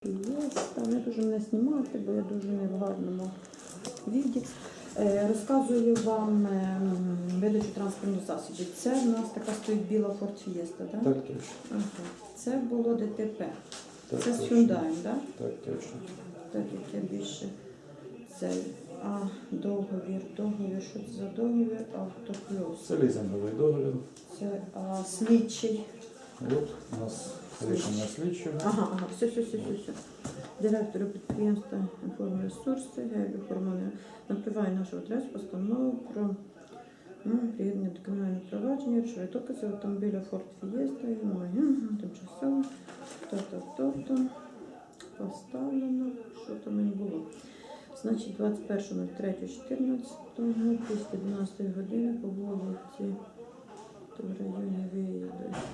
Фієста. Не дуже мене знімати, бо я дуже не в гарному віді. Розказую вам видачу транспортних засобів. Це в нас така стоїть біла Ford Fiesta, так? Так, точно. Ага. Це було ДТП. Так, це з точно. Hyundai, так? Так, точно. Так, як я більше це. А, договір, що це за договір? Автоплюс. Це лізинговий договір. Це слідчий. От у нас рішення слідчого. Ага, все. Директору підприємства «Інформресурси», Гелю Формони, напливає нашу адресу, постанову про приєднання до кримінального провадження, речові докази автомобіля Ford Fiesta, тимчасово, то поставлено, що там і було. Значить, 21.03.14, після 12 години по вулиці, то в районі виїду.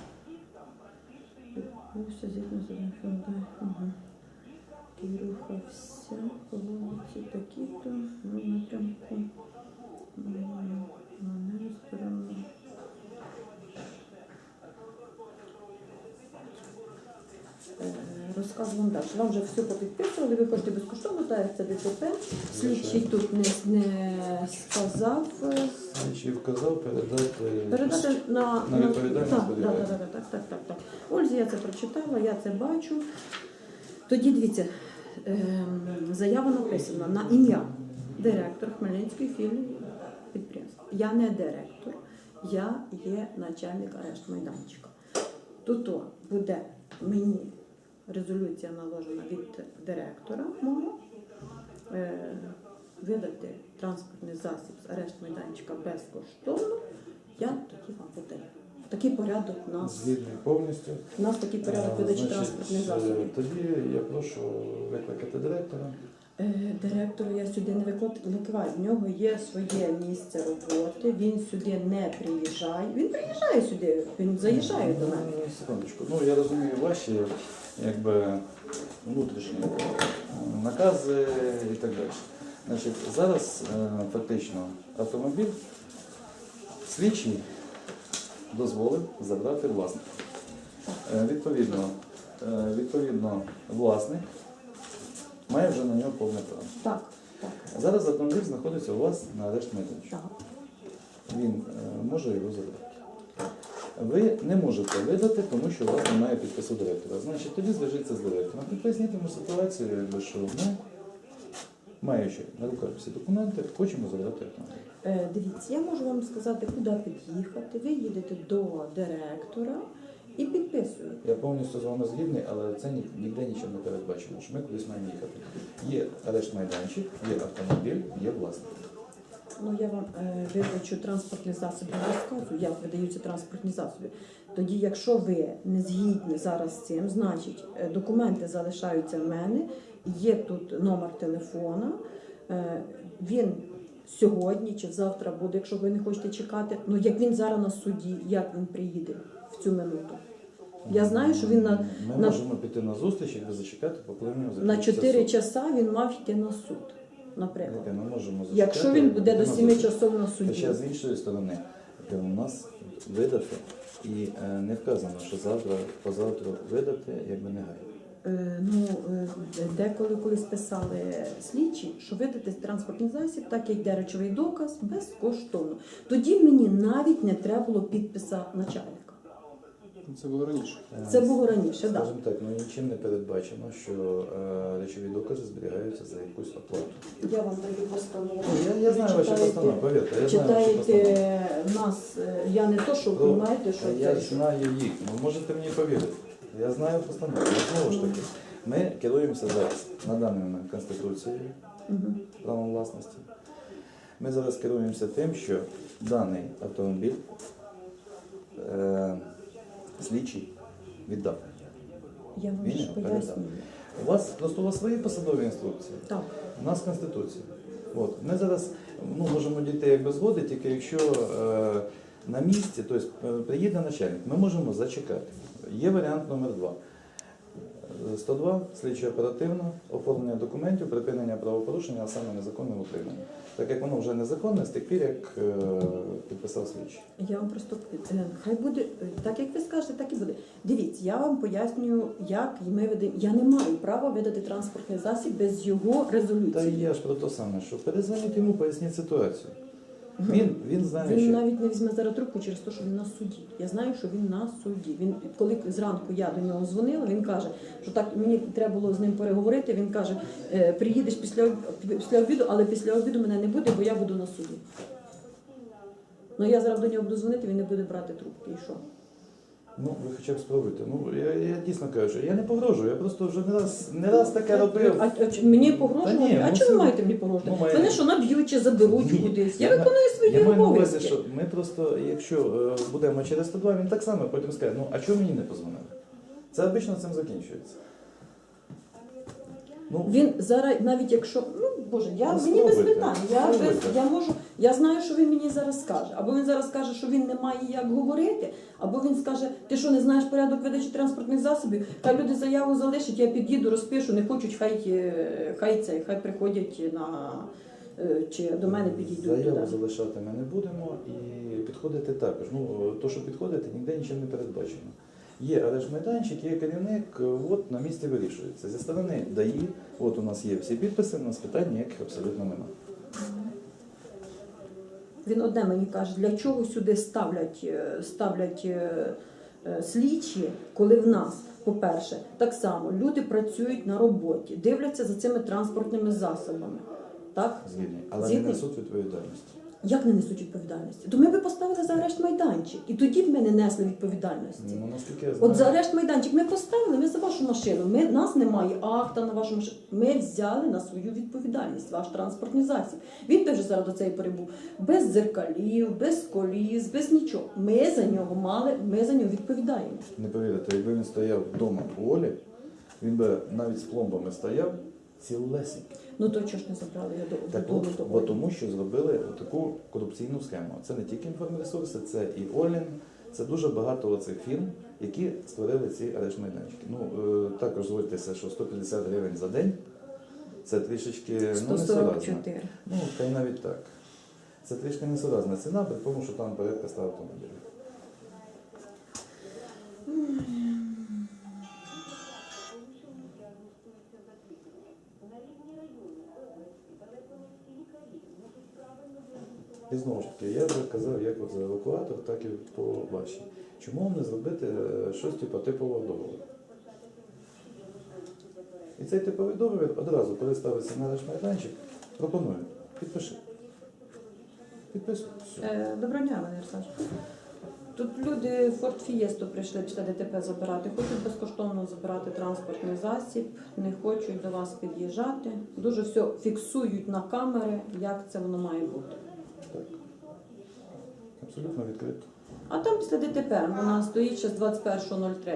Відбувся згідно з одним Hyundai. І рухався по вулиці такі-то, в напрямку на неї сторону. Розказую вам далі. Вам вже все попідписували, ви хочете безкоштовно, так як це ДТП. Слідчий тут не сказав. Слідчий вказав передати на відповідальність. Так. Ользі, я це прочитала, я це бачу. Тоді дивіться, заява написана на ім'я директор Хмельницької філії підприємства. Я не директор, я є начальник арешт-майданчика. Тут буде мені резолюція наложена від директора мого, видати транспортний засіб з арешт-майданчика безкоштовно, я тоді вам видаю. Такий порядок у нас. Згідний повністю. У нас такий порядок видачі транспортних засобів. Тоді я прошу викликати директора. Директору я сюди не викликаю. В нього є своє місце роботи, він сюди не приїжджає. Він приїжджає сюди, він заїжджає до мене. Секундочку. Ну, я розумію ваші внутрішні накази і так далі. Значить, зараз фактично автомобіль слідчий дозволив забрати власника. Відповідно, власник має вже на нього повне право. Так. Зараз автомобіль знаходиться у вас на арешт-майданчику. Він може його забрати. Ви не можете видати, тому що у вас немає підпису директора. Значить, тоді зв'яжіться з директором. І поясніть йому ситуацію, що ми, маючи на руках всі документи, хочемо забрати автомобіль. Дивіться, я можу вам сказати, куди під'їхати. Ви їдете до директора і підписуєте. Я повністю з вами згідний, але це ніде нічого не передбачено, що ми кудись маємо їхати. Є арешт-майданчик, є автомобіль, є власник. Ну, я вам видачу транспортних засобів розказую, як видаються транспортні засоби. Тоді, якщо ви не згідні зараз з цим, значить документи залишаються в мене, є тут номер телефона, він сьогодні чи завтра буде, якщо ви не хочете чекати. Ну, як він зараз на суді, як він приїде в цю минуту. Я знаю, що він Ми можемо піти на зустріч, якби зачекати, поки в нього на 4 часа він мав йти на суд, наприклад. Ми можемо зачекати, Якщо він буде до 7 часов на суді. Хоча з іншої сторони, у нас видати і не вказано, що позавтра видати, якби негайно. Деколи колись писали слідчі, що видати транспортний засіб, так як йде речовий доказ, безкоштовно. Тоді мені навіть не треба було підписа начальника. Це було раніше. Це було раніше, так. Скажімо так, нічим не передбачено, що речові докази зберігаються за якусь оплату. Я вам даю постанову. Я знаю ваші постанови, повірте. Я знаю ваші постанови. Читаєте нас, я не то, що ви знаєте, що Я це. знаю їх, ви можете мені повірити. Я знаю постанову. Знову ж таки, ми керуємося зараз на даний момент Конституцією, правом власності. Ми зараз керуємося тим, що даний автомобіль слідчий віддав. Я вам Він ж його передав. пояснюю. У вас свої посадові інструкції, Так. у нас Конституція. От. Ми зараз можемо дійти якби згоди, тільки якщо на місці, тобто приїде начальник, ми можемо зачекати. Є варіант номер 2. 102, слідчо оперативно, оформлення документів, припинення правопорушення, а саме незаконне утримання. Так як воно вже незаконне з тих пір, як підписав слідчий. Я вам просто хай буде так, як ви скажете, так і буде. Дивіться, я вам пояснюю, як ми ведемо. Я не маю права видати транспортний засіб без його Та резолюції. я ж про те саме, що перезвоніть йому, поясніть ситуацію. Він знає, Він що... навіть не візьме зараз трубку через те, що він на суді. Я знаю, що він на суді. Він, коли зранку я до нього дзвонила, він каже, що так мені треба було з ним переговорити. Він каже, приїдеш після обіду, але після обіду мене не буде, бо я буду на суді. Ну я зараз до нього буду дзвонити, він не буде брати трубки. І що? Ну, ви хоча б спробуйте. Ну, я дійсно кажу, я не погрожую, я просто вже не раз таке робив. Мені Та погрожувати? ні, А ну, чого ви це- маєте мені погрожувати? ну, має- Мене що, наб'ють чи заберуть Ні, кудись? я Я виконую свої Я маю на увазі, обов'язки. що ми просто, якщо будемо через 102, він так само потім скаже, ну, а чому мені не позвонили? Це обично цим закінчується. Ну, Він зараз, навіть якщо, ну боже, Ну, мені без спробуйте, питань. спробуйте. Я можу, я знаю, що він мені зараз скаже. Або він зараз скаже, що він не має як говорити, або він скаже, ти що не знаєш порядок видачі транспортних засобів, хай люди заяву залишать, я під'їду, розпишу, не хочуть, хай приходять на чи до мене підійдуть заяву туди. залишати ми не будемо і підходити також. Ну, то, що підходити, ніде нічим не передбачено. Є арешт майданчик, є керівник, от на місці вирішується. Зі сторони ДАІ, от у нас є всі підписи, у нас питань ніяких абсолютно немає. Він одне мені каже, для чого сюди ставлять слідчі, коли в нас, по-перше, так само люди працюють на роботі, дивляться за цими транспортними засобами. Так? Згідний. Але Згідний? не несуть відповідальності. Як не несуть відповідальності? То ми би поставили за арешт майданчик, і тоді б ми не несли відповідальності. Ну, наскільки я знаю, От за арешт майданчик ми поставили, ми за вашу машину. Нас немає акта на вашу машину. Ми взяли на свою відповідальність ваш транспортний засіб. Він теж зараз до цієї пори був без дзеркалів, без коліс, без нічого. Ми за нього відповідаємо. не повірите, якби він стояв вдома у Олі, він би навіть з пломбами стояв цілесенький. Ну то чого ж не забрали я Так додому от, до бо Олі? тому що зробили таку корупційну схему. Це не тільки інформресурси, це і Олін, це дуже багато оцих фірм, які створили ці арешт-майданчики. Ну, також зводьтеся, що 150 гривень за день – це трішечки несуразно. 144. Ну, та й навіть так. Це трішки несуразна ціна, при тому, що там порядка 100 автомобілів. І знову ж таки, я вже казав, як от за евакуатор, так і по вашій. Чому не зробити щось типового договору? І цей типовий договір одразу, коли ставиться на наш майданчик, пропоную. Підпиши. Підписуй. Все. Доброго дня, Валерій Олександрович. Тут люди Ford Fiesta прийшли після ДТП забирати. Хочуть безкоштовно забирати транспортний засіб, не хочуть до вас під'їжджати. Дуже все фіксують на камери, як це воно має бути. Так. Абсолютно відкрито. А там після ДТП вона стоїть ще з 21.03.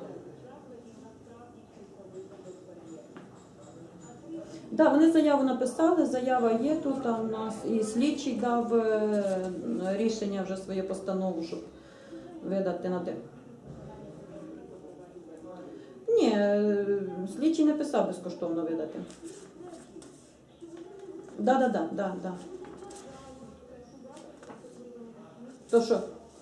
Так, вони заяву написали, заява є тут, а у нас і слідчий дав рішення вже своє постанову, щоб видати на те. Ні, слідчий не писав безкоштовно видати. Да. То що?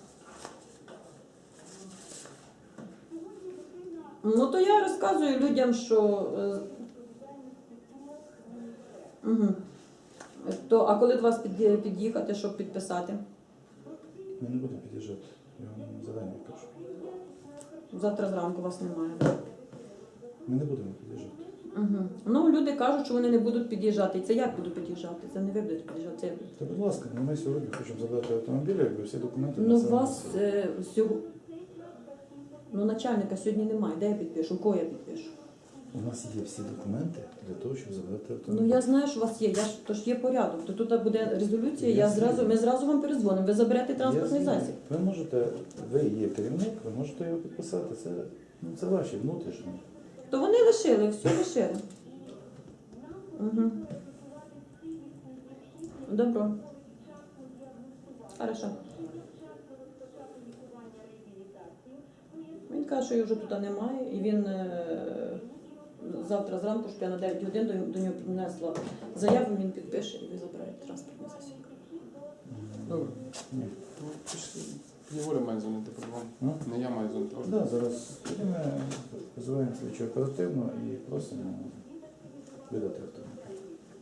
Ну то я розказую людям, що угу. А коли до вас під'їхати, щоб підписати? Ми не будемо під'їжджати. Я вам зарані кажу. Завтра зранку вас немає. Ми не будемо під'їжджати. Угу. Ну, люди кажуть, що вони не будуть під'їжджати. І це як буду під'їжджати? Це не ви будете під'їжджати. Це я буду. Та, будь ласка, ми сьогодні хочемо забрати автомобіль, якби всі документи Ну, на це вас внесли. Ну, начальника сьогодні немає. Де я підпишу? У кого я підпишу? У нас є всі документи для того, щоб забрати Ну, автомобіль. я знаю, що у вас є. Тож є порядок. То тут буде резолюція, Я ми зразу вам перезвонимо. Ви заберете транспортний Я знаю. засіб. Ви є керівник, ви можете його підписати. Це ваші внутрішні. То вони лишили, все лишили. Угу. Добро. Хорошо. Він каже, що його вже тут немає, і він завтра зранку, щоб я на 9 годин до нього принесла заяву, він підпише і ви забираєте транспортний засіб. Добре. Ні. Ну, Єгора має дзвонити по-любому. Не я маю дзвонити. Да, зараз ми визиваємо слідчу оперативно і просимо видати автомобіль.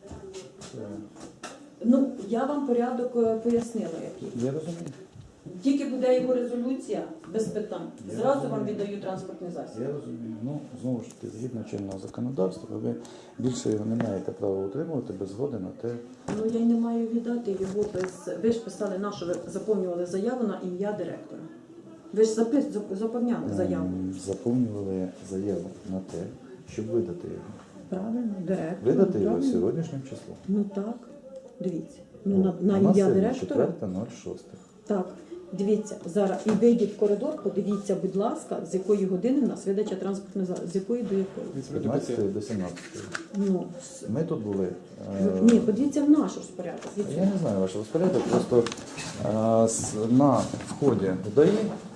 Ну, я вам порядок пояснила, який. Я розумію. Тільки буде його резолюція, без питань. Я Зразу розумію. вам віддаю транспортний засіб. Я розумію. Ну, знову ж таки, згідно чинного законодавства, ви більше його не маєте права утримувати без згоди на те. Ну, я й не маю віддати його без... Ви ж писали на що ви заповнювали заяву на ім'я директора. Ви ж заповняли заяву. Заповнювали заяву на те, щоб видати його. Правильно, директор. Видати його правильно. сьогоднішнім числом. Ну так, дивіться. Ну, на У нас ім'я сьогодні директора. 4.06. Так, дивіться, зараз і вийдіть в коридор, подивіться, будь ласка, з якої години в нас видача транспортної засобів, з якої до якої. З 15 до 17. Ну, Ми тут були. ні, подивіться в наш розпорядок. Я не знаю ваш розпорядок, просто на вході в ДАІ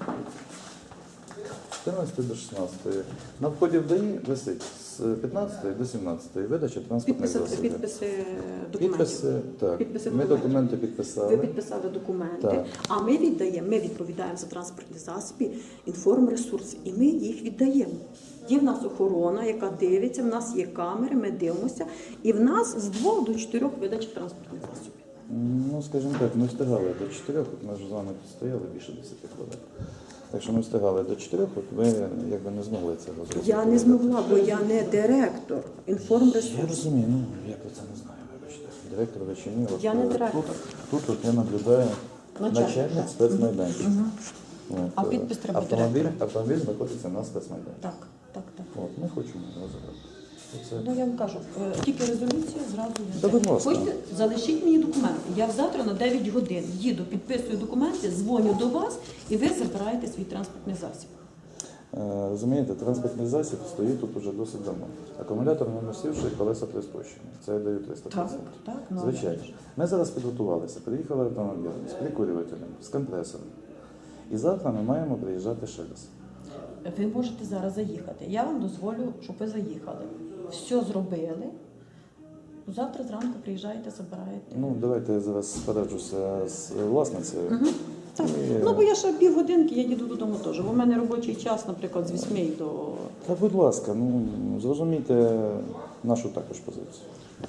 з 14 до 16. На вході в ДАІ висить з 15 до 17 видача транспортних засобів. Підписи документів. Підписи, так. Підписи Ми документів. документи Ви підписали. підписали документи, Так. а ми відповідаємо за транспортні засоби, інформресурси, і ми їх віддаємо. Є в нас охорона, яка дивиться, в нас є камери, ми дивимося, і в нас з 2 до 4 видач транспортних засобів. Ну, скажімо так, ми встигали до 4, от ми вже з вами тут стояли більше 10 хвилин. Так що ми встигали до 4, от ви якби не змогли цього зробити. Я не змогла, бо я не директор Я інформресурсу. розумію, ну я про це не знаю, вибачте. Директор ви чи ні? От, Я не директор. Тут от я наблюдаю Начальник. начальник спецмайданчика. От, А підпис треба автомобіль знаходиться на спецмайданчику. Так, так, так. От, ми хочемо його забрати. Оце. Ну, я вам кажу, тільки резолюція зразу Та, будь ласка. Хочете, залишіть мені документи. Я завтра на 9 годин їду, підписую документи, дзвоню до вас, і ви забираєте свій транспортний засіб. Розумієте, транспортний засіб стоїть тут уже досить давно. Акумулятор не носивши, колеса приспущені. Це я даю 300%. Так, ну, Звичайно. Ми зараз підготувалися, приїхали автомобілем з прикурювателем, з компресором. І завтра ми маємо приїжджати ще раз. Ви можете зараз заїхати. Я вам дозволю, щоб ви заїхали. Все зробили. Завтра зранку приїжджаєте, забираєте. Ну, давайте я зараз пораджуся з власницею. Так. І- Ну, бо я ще півгодинки, я їду додому теж. Бо в мене робочий час, наприклад, з 8 до... Та будь ласка, ну зрозумійте нашу також позицію.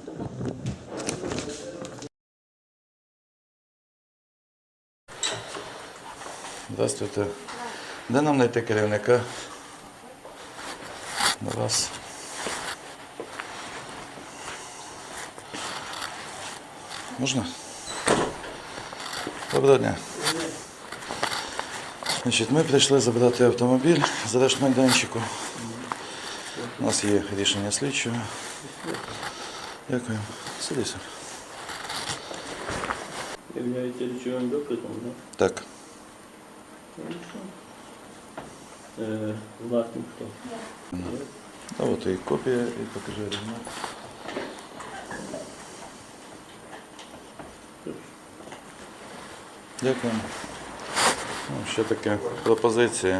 Здравствуйте. Де нам знайти керівника? До вас. Можна? Доброго дня. Значить, ми прийшли забрати автомобіль з арештмайданчику. У нас є рішення слідчого. Дякую. Сидися. Являється речовим доказом, да? Так. Хорошо. Власник хто? А от і копія, і покажи оригінал. Дякую. Ну, ще таке пропозиція.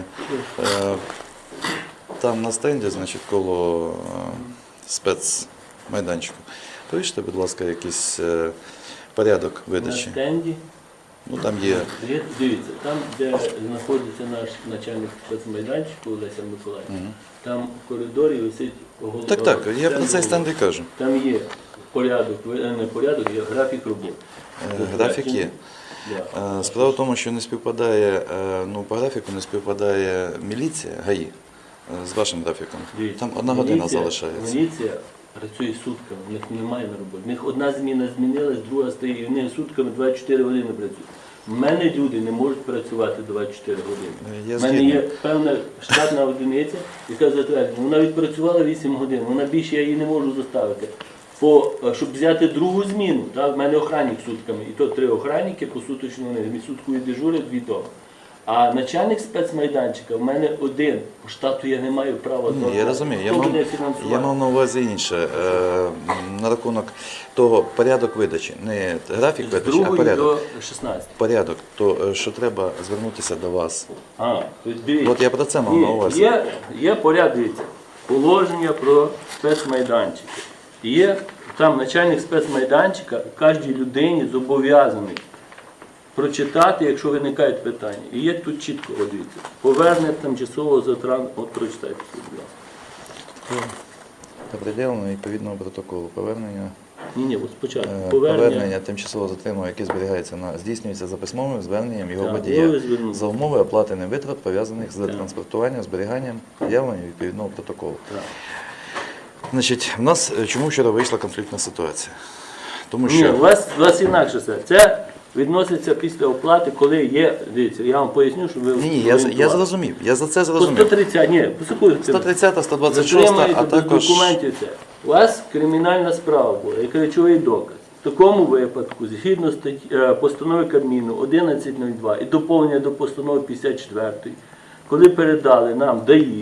Там на стенді, значить, коло спецмайданчику. Повіжте, будь ласка, якийсь порядок На видачі. стенді. Ну там є. Дивіться, там, де знаходиться наш начальник спецмайданчику Олеся Миколаївна, там в коридорі висить Так, так, я про цей стенд і кажу. Там є порядок, не порядок, є графік роботи. Графік є. Да. Справа в тому, що не співпадає, ну по графіку не співпадає міліція, ГАІ, з вашим графіком. Дивіться, Там 1 година міліція- залишається. Міліція працює сутками, у них немає на роботі. У них одна зміна змінилась, друга стоїть, і вони сутками 24 години працюють. У мене люди не можуть працювати 24 години. Я У мене згідний. є певна штатна одиниця, яка затверджена. Вона відпрацювала 8 годин, вона більше я її не можу заставити. Щоб взяти другу зміну, так, в мене охранник сутками, і то 3 охранники посуточно вони суткою дежурять, 2 дома. А начальник спецмайданчика в мене один. По штату я не маю права. Ні, я розумію. Хто буде фінансувати? Я мав на увазі інше. На рахунок того порядок видачі. Не графік З видачі, а 2 порядок. до 16. Порядок, то що треба звернутися до вас. То дивіться. От я про це мав на увазі. Є порядок, дивіться. положення про спецмайданчики. І є там начальник спецмайданчика кожній людині зобов'язаний прочитати, якщо виникають питання. І є тут чітко, от дивіться, повернення тимчасового затрану, от прочитайте, будь ласка. Определено відповідного протоколу повернення. Ні, от спочатку. Повернення тимчасово затриманого, яке зберігається здійснюється за письмовим зверненням його Так, водія ви звернули. за умови оплати невитрат, пов'язаних з транспортуванням, зберіганням, явленням відповідного протоколу. Так. Значить, в нас чому вчора вийшла конфліктна ситуація? Тому Ні, що у вас інакше все. Це відноситься після оплати, коли є, дивіться, я вам поясню, щоб ви ні, я орієнтувалися. зрозумів, я за це По зрозумів. 130, ні, послухайте. 130, 126, а Затримаєте без також документів це. У вас кримінальна справа була, як речовий доказ. В такому випадку, згідно постанови Кабміну 1102 і доповнення до постанови 54, коли передали нам ДАІ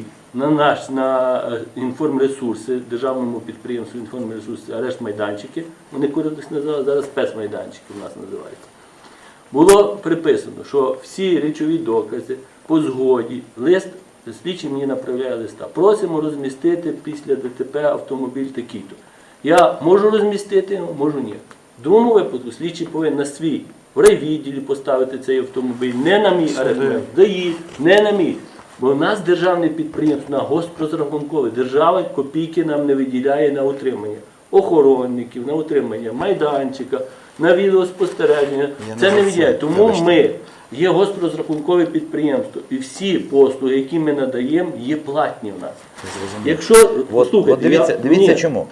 на інформресурси, державному підприємству інформресурси, арешт майданчики, вони колись називали, зараз спецмайданчики у нас називаються. Було приписано, що всі речові докази по згоді, лист, слідчий мені направляє листа. Просимо розмістити після ДТП автомобіль такий-то. Я можу розмістити, можу ні. В другому випадку слідчий повинен на свій в райвідділі поставити цей автомобіль, не на мій арешт, ДАІ, не на мій. Бо в нас державне підприємство, на госпрозрахункове, держава копійки нам не виділяє на утримання охоронників, на утримання майданчика, на відеоспостереження. Це не виділяє. Тому ми є госпрозрахункове підприємство. І всі послуги, які ми надаємо, є платні в нас. Якщо, От дивіться, дивіться ні. чому.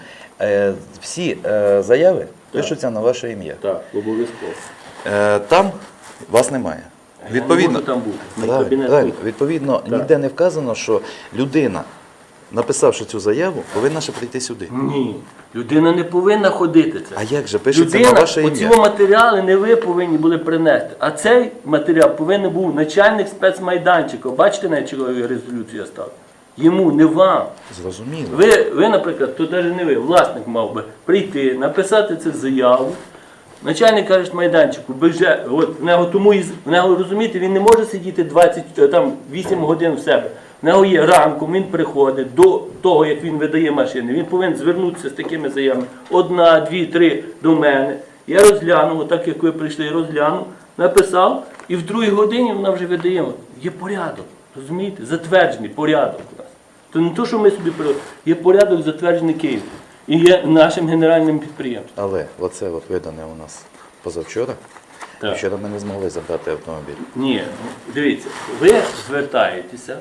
Всі заяви пишуться на ваше ім'я. Так, обов'язково. Там вас немає. Відповідно, Я не можу там бути. Мій правильно, кабінет правильно. тут. Відповідно, ніде не вказано, що людина, написавши цю заяву, повинна ще прийти сюди. Ні, людина не повинна ходити це. А як же пишеться на Людина, ваше оці ім'я? матеріали не ви повинні були принести, а цей матеріал повинен був начальник спецмайданчика. Бачите, на чого резолюцію я став? Йому, не вам. Зрозуміло. Ви, наприклад, то навіть не ви, власник мав би прийти, написати цю заяву. Начальник арешт майданчику, от в нього тому в нього, розумієте, він не може сидіти 8 годин в себе. В нього є ранком, він приходить до того, як він видає машини. Він повинен звернутися з такими заявами. 1, 2, 3 до мене. Я розглянув, отак як ви прийшли, розглянув, написав, і в 2 годині вона вже видає. Є порядок, розумієте? Затверджений порядок у нас. То не то, що ми собі придумали, є порядок затверджений Києвом. І є нашим генеральним підприємством. Але оце от видане у нас позавчора. Так. Вчора ми не змогли забрати автомобіль. Ні, дивіться, ви звертаєтеся,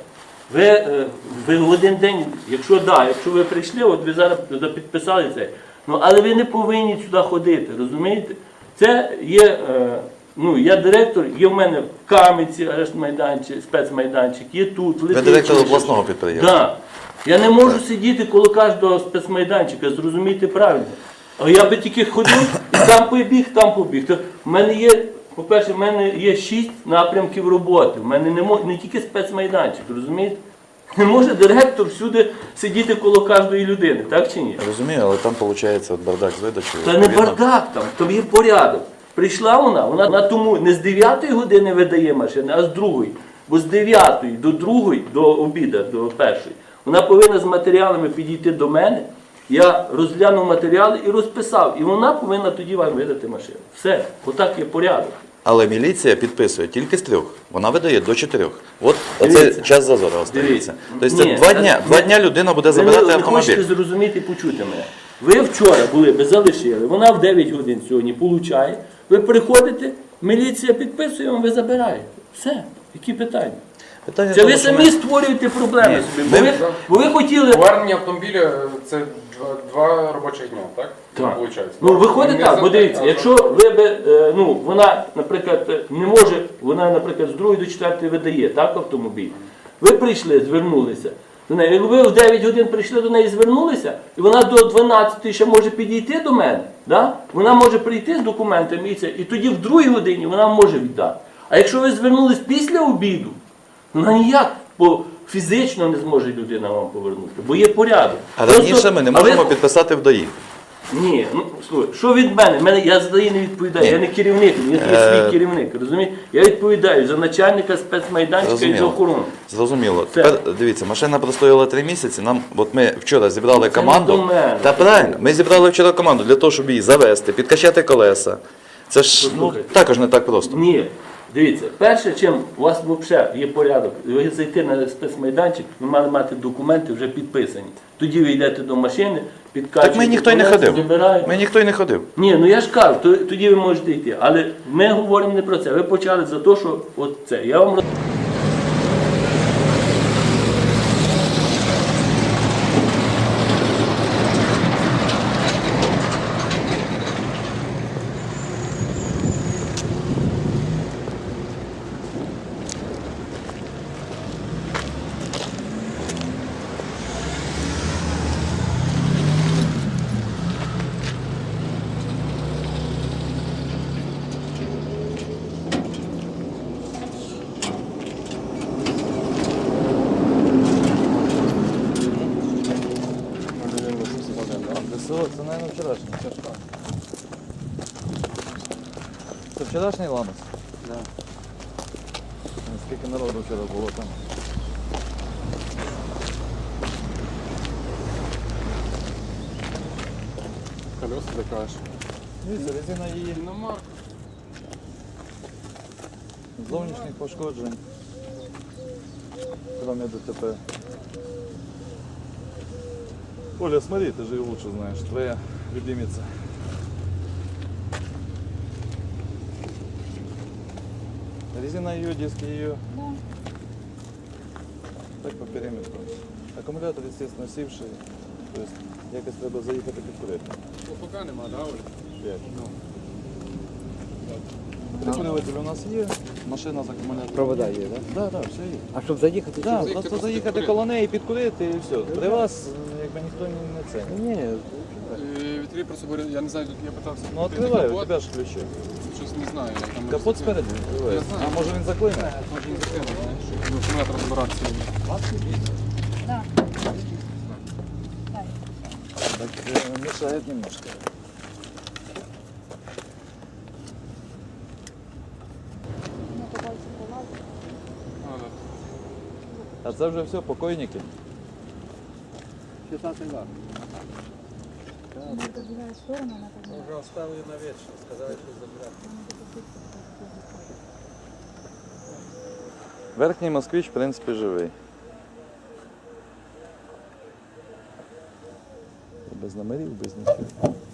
ви в один день, якщо ви прийшли, от ви зараз підписали це, але ви не повинні сюди ходити, розумієте? Це є, я директор, є в мене в Кам'янці арешт майданчик, спецмайданчик, є тут, Ви директор обласного підприємства. Так. Я не можу сидіти коло кожного спецмайданчика, зрозумійте правильно. А я би тільки ходив і там побіг. То в мене є, по-перше, в мене є 6 напрямків роботи. В мене не тільки спецмайданчик, розумієте? Не може директор всюди сидіти коло кожної людини, так чи ні? Розумію, але там виходить от бардак з видачею. Та не бардак там є порядок. Прийшла вона тому не з 9 години видає машини, а з 2. Бо з 9 до 2, до обіду, до 1. Вона повинна з матеріалами підійти до мене, я розглянув матеріали і розписав. І вона повинна тоді вам видати машину. Все, отак є порядок. Але міліція підписує тільки з 3. Вона видає до 4. От оце Дивіться. час зазору остається. Тобто це Ні, 2 дня людина буде забирати ви автомобіль. хочете зрозуміти і почути мене. Ви вчора були, ви залишили, вона в 9 годин сьогодні получає. Ви приходите, міліція підписує вам, ви забираєте. Все, які питання? Питання в Це тому, ви що самі ми- створюєте проблеми Ні, собі. ми- Бо ви хотіли. Повернення автомобіля це 2 робочих дня, так? Так. Виходить. Ну, виходить Не так, за бо день, дивіться, а якщо ви би, вона, наприклад, не може, вона, наприклад, з 2 до 4 видає, так, автомобіль. Ви прийшли, звернулися до неї. Якби ви в 9 годин прийшли до неї, звернулися, і вона до 12 ще може підійти до мене, да? Вона може прийти з документами і тоді в 2 годині вона може віддати. А якщо ви звернулись після обіду, вона ніяк, бо фізично не зможе людина вам повернути, бо є порядок. А Просто- раніше ми не а ви- можемо підписати в ДАІ. Ні, ну слухай, що від мене? Я за неї не відповідаю, я не керівник, я є свій керівник, розумієш? Я відповідаю за начальника спецмайданчика і за охорону. Зрозуміло. Все. Тепер дивіться, машина простояла 3 місяці. От ми вчора зібрали Це команду. не до мене. Та правильно, ми зібрали вчора команду для того, щоб її завести, підкачати колеса. Це ж Послухайте. також не так просто. Ні, дивіться, перше, чим у вас взагалі є порядок, ви зайти на спецмайданчик, ви мали мати документи вже підписані. Тоді ви йдете до машини, підкачуєте. Так ми ніхто й не колеса, ходив. забираєте. Ми ніхто й не ходив. Ні, ну я ж кажу, тоді ви можете йти. Але ми говоримо не про це. Ви почали за те, що от це. Я вам ДСО, це, мабуть, вчорашній. Це вчорашній ламас? Да. Скільки народу вчора було там? Колеса така ж. Дивіться, резина її Іномарка. зовнішніх пошкоджень. Кроме ДТП. Оля, смотри, ты же ее лучше знаешь, твоя любимица. Резина ее, диски ее. Так по периметру. Аккумулятор, естественно, сівший. То есть якось треба заїхати підкурити. Поки нема, да, Оля? 5. Ну. Прикурюватель у нас є, машина з акумулятором. Провода є, так? Да, да, все є. А щоб заїхати? Да, заїхати, просто просто заїхати підкурити. коло неї, підкурити і все. При вас якби ніхто не це. Ні, Вітрі просто говорять, я не знаю, тут я питався. Ну відкрити відкривай, у капот. тебе ж ключі. Щось не знаю. як там Капот розкрити. спереду відкриває. Я знаю. А може він заклине? Може не закинути, знаєш, щоб акумулятор розбиратися. Так мешает немножко. А, да. А це вже все, покойники. 16 год. Вже оставили на вечір, сказали, що забрати. Верхній москвич, в принципі, живий. Без номерів, без нічого.